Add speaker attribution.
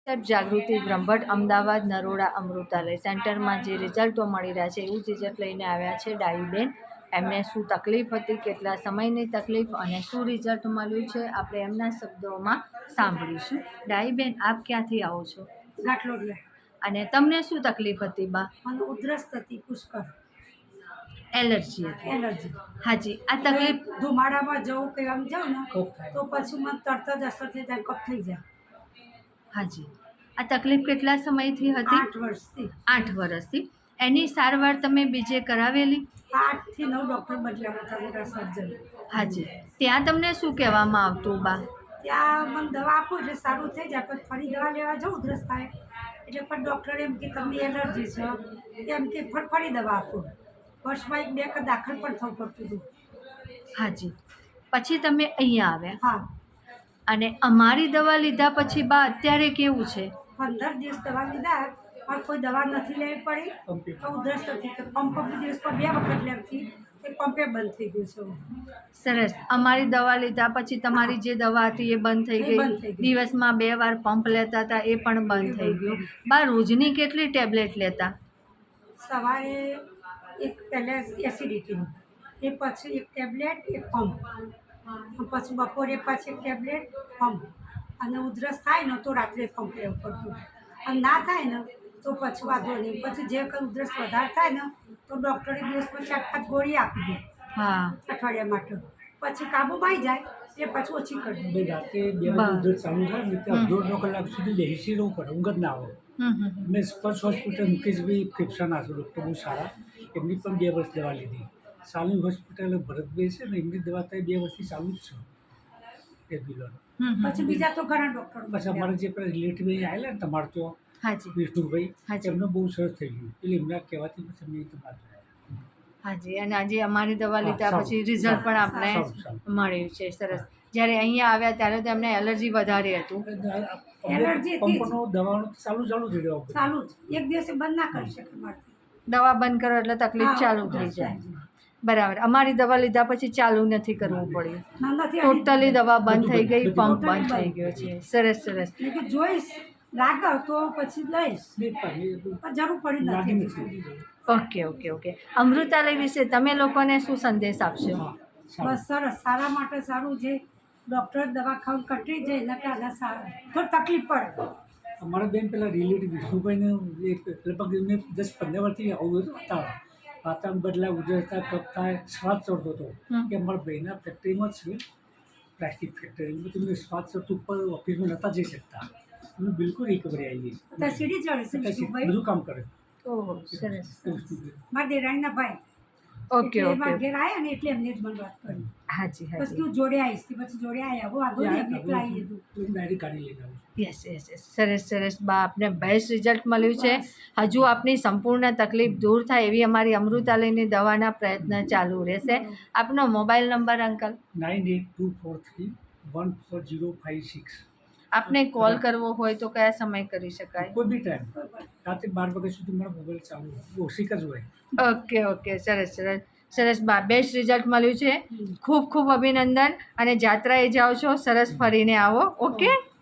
Speaker 1: સાહેબ જાગૃતિ બ્રહ્મભટ્ટ અમદાવાદ નરોડા અમૃતાલય સેન્ટરમાં જે રિઝલ્ટો મળી રહ્યા છે એવું રિઝલ્ટ લઈને આવ્યા છે ડાઈબેન. એમને શું તકલીફ હતી, કેટલા સમયની તકલીફ અને શું રિઝલ્ટ મળ્યું છે આપણે એમના શબ્દોમાં સાંભળીશું. ડાઈબેન, આપ ક્યાંથી આવો છો?
Speaker 2: ગાંઠલોડિયા.
Speaker 1: અને તમને શું તકલીફ હતી બા?
Speaker 2: મને ઉધરસ થતી પુષ્કળ.
Speaker 1: એલર્જી હતી?
Speaker 2: એલર્જી.
Speaker 1: હાજી. આ તકલીફ
Speaker 2: ધુમાડામાં જવું કે આમ જાઉં ને તો પછી મને તરત જ અસર થઈ જાય, કફ થઈ જાય.
Speaker 1: હાજી. આ તકલીફ કેટલા સમયથી હતી?
Speaker 2: 8 વર્ષથી.
Speaker 1: 8 વર્ષથી. એની સારવાર તમે બીજે કરાવેલી?
Speaker 2: 8 થી 9 ડૉક્ટર બદલ્યા હતા, મોટા સર્જન.
Speaker 1: હાજી. ત્યાં તમને શું કહેવામાં આવતું બા?
Speaker 2: ત્યાં મને દવા આપો એટલે સારું થઈ જાય, પણ ફરી દવા લેવા જાઉં ઉધરસ થાય એટલે પણ ડૉક્ટર એમ કે તમને એલર્જી છે, એમ કે ફરી દવા આપો. વર્ષમાં 1-2 વખત દાખલ પણ થવું પડતું હતું.
Speaker 1: હાજી. પછી તમે અહીંયા આવ્યા?
Speaker 2: હા.
Speaker 1: અને અમારી દવા લીધા પછી બા અત્યારે કેવું છે?
Speaker 2: 15 દિવસ દવા લીધા પણ કોઈ દવા નથી લેવી પડી તો ઉધરસ નથી. તો પંપ દિવસ પર 2 વખત લેતી તે પંપે બંધ થઈ ગયું છે.
Speaker 1: સરસ. અમારી દવા લીધા પછી તમારી જે દવા હતી એ બંધ થઈ ગઈ? દિવસમાં 2 વાર પંપ લેતા હતા એ પણ બંધ થઈ ગયું. બા રોજની કેટલી ટેબ્લેટ લેતા?
Speaker 2: સવારે એક પહેલાં એસિડિટીનું, એ પછી 1 ટેબ્લેટ 1 પંપ, પછી બપોરે પાછી 1 ટેબ્લેટ પંપ, અને ઉધરસ થાય ને તો રાત્રે પંપ લેવું પડતું. અને ના થાય ને તો પછી વાંધો નહીં. પછી જે કંઈ ઉધરસ વધારે થાય ને તો ડૉક્ટરે દિવસમાં 4-5 ગોળી આપી દે.
Speaker 1: હા.
Speaker 2: અઠવાડિયા માટે. પછી કાબૂમાં આવી જાય એટલે પછી ઓછી કરી દે.
Speaker 3: રાતે 2 વાગે ઉધરસ ચાલુ થાય ને ત્યાં 1.5 કલાક સુધી બેસી રહેવું પડે, ઊંઘ જ ના આવે. મેં સ્પર્શ હોસ્પિટલ મુકેશભાઈ ફેફસાના છે, ડૉક્ટર બહુ સારા, એમની પણ 2 વર્ષ દવા લીધી. સાલની હોસ્પિટલ ભરતભાઈ છે ને, એમની દવા ત્યાં 2 વર્ષથી ચાલુ જ છે રેગ્યુલર.
Speaker 2: પછી બીજા તો ઘણા ડૉક્ટર.
Speaker 3: પછી અમારે જે પેલા રિલેટિવ આવેલા ને તમારે તો
Speaker 1: હાજી
Speaker 3: વિષ્ણુભાઈ, એમને બહુ સરસ થઈ ગયું એટલે એમના કહેવાથી પછી અમે તમારે.
Speaker 1: હાજી. અને આજે અમારી દવા લીધા પછી રિઝલ્ટ પણ આપણે મળ્યું છે. સરસ. જ્યારે અહીંયા આવ્યા ત્યારે તો એમને એલર્જી વધારે હતું?
Speaker 2: એલર્જી
Speaker 3: પંપનો દવાનું ચાલુ થઈ ગયો.
Speaker 2: ચાલુ જ, એક દિવસે બંધ ના કરી શકે મારથી.
Speaker 1: દવા બંધ કરો એટલે તકલીફ ચાલુ થઈ જાય. બરાબર. અમારી દવા લીધા પછી ચાલુ નથી કરવું પડ્યું? ટોટલી દવા બંધ થઈ ગઈ, પંપ બંધ થઈ ગયો છે. સરસ સરસ.
Speaker 2: જોઈશ લાગે તો પછી લઈશ, જરૂર પડી નથી.
Speaker 1: Okay okay okay. અમૃતાલય વિશે તમે લોકોને શું સંદેશ આપશો?
Speaker 2: બસ સરસ, સારા માટે સારું. જે ડૉક્ટર દવા ખાવ કટી જાય એના કારણે સારું, થોડી તકલીફ પડે.
Speaker 3: અમારા બેન પેલા રિલેટિવ વિષ્ણુભાઈને લગભગ એમને 10-15 વર્ષથી આવું હતું. વાતાવરણ બદલાય, ઉધરસ થાય, કફ થાય, શ્વાસ ચડતો હતો. કે અમારા ભાઈના ફેક્ટરીમાં જ છે, પ્લાસ્ટિક ફેક્ટરી. તમે શ્વાસ ચડતું ઉપર ઓફિસમાં નહોતા જઈ શકતા. અમે બિલકુલ રિકવરી આવી ગઈ.
Speaker 2: સીડી ચડે છે,
Speaker 3: બધું કામ કરે.
Speaker 1: ઓહો, સરસ.
Speaker 2: મારા દેરાણીના ભાઈ.
Speaker 1: Okay okay.
Speaker 2: ઘેર આવ્યા ને એટલે એમને જ મને વાત કરી.
Speaker 1: હાજી
Speaker 2: પછી
Speaker 1: હાજી.
Speaker 2: હું જોડે આવીશ, પછી જોડે આવ્યા હું આગળ એકલા આવી લીધું.
Speaker 3: ડાયરી કાઢી લઈને આવું.
Speaker 1: Yes yes yes. સરસ સરસ બા, આપને બેસ્ટ રિઝલ્ટ મળ્યું છે. હજુ આપની સંપૂર્ણ તકલીફ દૂર થાય એવી અમારી અમૃતાલયની દવાના પ્રયત્ન ચાલુ રહેશે. આપનો મોબાઈલ નંબર અંકલ?
Speaker 3: 9824314056.
Speaker 1: આપને કોલ કરવો હોય તો કયા સમય કરી શકાય?
Speaker 3: કોઈ બી ટાઈમ, રાતે 12 વાગ્યા સુધી મારો મોબાઈલ ચાલુ હોય, ઓછી જ હોય.
Speaker 1: Okay okay. સરસ સરસ સરસ બા, બેસ્ટ રિઝલ્ટ મળ્યું છે. ખૂબ ખૂબ અભિનંદન. અને જાત્રાએ જાઓ છો, સરસ ફરીને આવો. ઓકે.